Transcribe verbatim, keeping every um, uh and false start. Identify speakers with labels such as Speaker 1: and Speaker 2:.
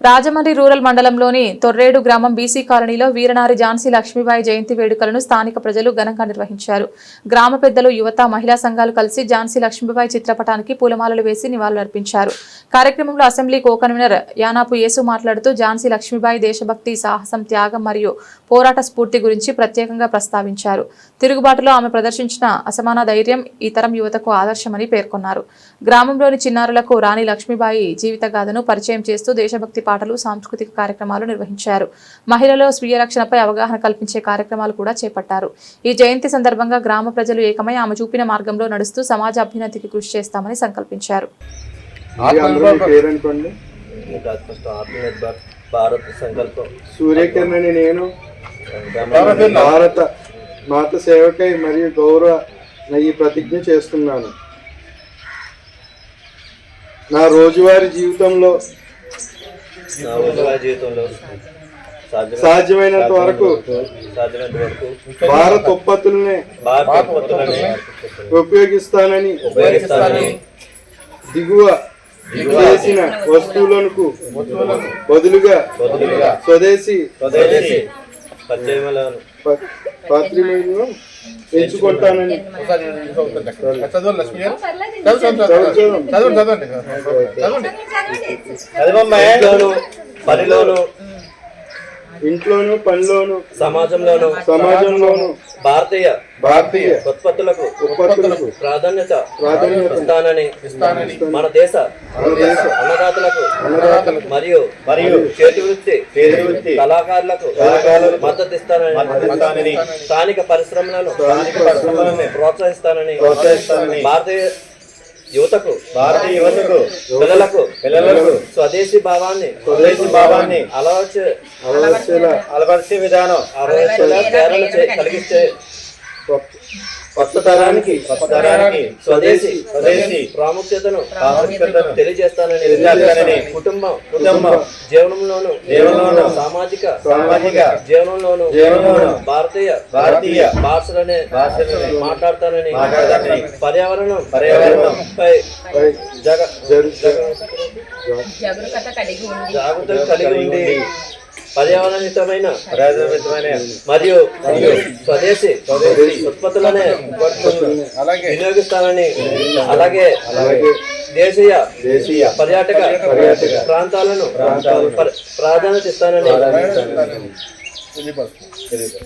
Speaker 1: Rajahmundry rural మండలంలోని తొర్రేడు గ్రామం BC కాలనీలో వీరనారి ఝాన్సీ లక్ష్మీబాయి జయంతి వేడుకలను స్థానిక ప్రజలు ఘనంగా నిర్వహించారు. గ్రామ పెద్దలు, యువత, మహిళా సంఘాలు కలిసి ఝాన్సీ లక్ష్మీబాయి చిత్రపటానికి పూలమాలలు వేసి నివాళులర్పించారు. కార్యక్రమంలో assembly co convener Yanapu Yesu మాట్లాడుతూ ఝాన్సీ లక్ష్మీబాయి దేశభక్తి, సాహసం, త్యాగం మరియు పోరాట స్ఫూర్తి గురించి ప్రత్యేకంగా ప్రస్తావించారు. తిరుగుబాటులో ఆమె ప్రదర్శించిన అసమాన ధైర్యం ఈ తరం యువతకు ఆదర్శమని పేర్కొన్నారు. గ్రామంలోని చిన్నారులకు రాణి లక్ష్మీబాయి జీవిత గాథను పరిచయం చేస్తూ దేశభక్తి పాటలు, సాంస్కృతిక కార్యక్రమాలు నిర్వహించారు. మహిళల్లో స్వీయ రక్షణపై అవగాహన కల్పించే కార్యక్రమాలు కూడా చేపట్టారు. ఈ జయంతి సందర్భంగా గ్రామ ప్రజలు ఏకమై ఆమె చూపిన మార్గంలో నడుస్తూ సమాజ అభ్యున్నతికి కృషి చేస్తామని సంకల్పించారు.
Speaker 2: సూర్యకిరణని నేను భారత మాత సేవకై మరియు గౌరవ ఈ ప్రతిజ్ఞ చేస్తున్నాను. నా రోజువారీ జీవితంలో సాధ్యమైనంత వరకు భారత ఉత్పత్తులనే ఉపయోగిస్తానని దిగువ చేసిన వస్తువులకు బదులుగా స్వదేశీ పాత్రిమలను ఎంచుకుంటానని
Speaker 3: పనిలోను,
Speaker 2: ఇంట్లోను, పనిలోను,
Speaker 3: సమాజంలోను
Speaker 2: సమాజంలోను
Speaker 3: భారతీయ
Speaker 2: భారతీయ
Speaker 3: ఉత్పత్తులకు
Speaker 2: ఉత్పత్తులకు
Speaker 3: ప్రాధాన్యత
Speaker 2: ప్రాధాన్యత
Speaker 3: ఇస్తానని మన దేశ అన్నదాతలకు
Speaker 2: అన్నదాతలకు
Speaker 3: మరియు మరియు చేతి వృత్తి
Speaker 2: చేతి వృత్తి
Speaker 3: కళాకారులకు మద్దతు ఇస్తానని స్థానిక పరిశ్రమలను
Speaker 2: స్థానిక పరిశ్రమలను
Speaker 3: ప్రోత్సహిస్తానని
Speaker 2: ప్రోత్సహిస్తానని
Speaker 3: భారతీయ యువతకు
Speaker 2: భారతీయ యువతకు
Speaker 3: పిల్లలకు
Speaker 2: పిల్లలకు
Speaker 3: స్వదేశీ భావాన్ని
Speaker 2: స్వదేశీ భావాన్ని
Speaker 3: అలవర్చే
Speaker 2: అలవర్చేలా
Speaker 3: అలవర్చే విధానం అలవర్చేలా ప్రేరణ చే- కలిగిస్తే
Speaker 2: కొత్త తరానికి కొత్త తరానికి
Speaker 3: స్వదేశీ
Speaker 2: స్వదేశీ
Speaker 3: ప్రాముఖ్యతను
Speaker 2: ప్రాముఖ్యతను
Speaker 3: తెలియజేస్తానని
Speaker 2: తెలియజేస్తానని
Speaker 3: కుటుంబం
Speaker 2: కుటుంబం
Speaker 3: జీవనంలోను
Speaker 2: జీవనంలోను
Speaker 3: సామాజిక
Speaker 2: సామాజిక
Speaker 3: జీవనంలోను
Speaker 2: జీవనంలోను
Speaker 3: భారతీయ
Speaker 2: భారతీయ
Speaker 3: భాషలనే
Speaker 2: భాషలనే
Speaker 3: మాట్లాడతానని
Speaker 2: మాట్లాడతానని
Speaker 3: పర్యావరణం
Speaker 2: పర్యావరణం
Speaker 3: పై
Speaker 2: పై
Speaker 3: జగ
Speaker 2: జరు-
Speaker 3: జగ
Speaker 4: జాగ్రత్త కలిగి ఉండి
Speaker 3: జాగ్రత్తలు కలిగి ఉండి పర్యావరణహితమైన మరియు స్వదేశీ ఉత్పత్తులనే
Speaker 2: అలాగే
Speaker 3: వినియోగిస్తానని అలాగే
Speaker 2: అలాగే
Speaker 3: దేశీయ
Speaker 2: దేశీయ
Speaker 3: పర్యాటక
Speaker 2: పర్యాటక
Speaker 3: ప్రాంతాలను
Speaker 2: ప్రాంతాలను
Speaker 3: ప్ర- ప్రాధాన్యత ఇస్తానని
Speaker 2: ప్రాధాన్యత ఇస్తానని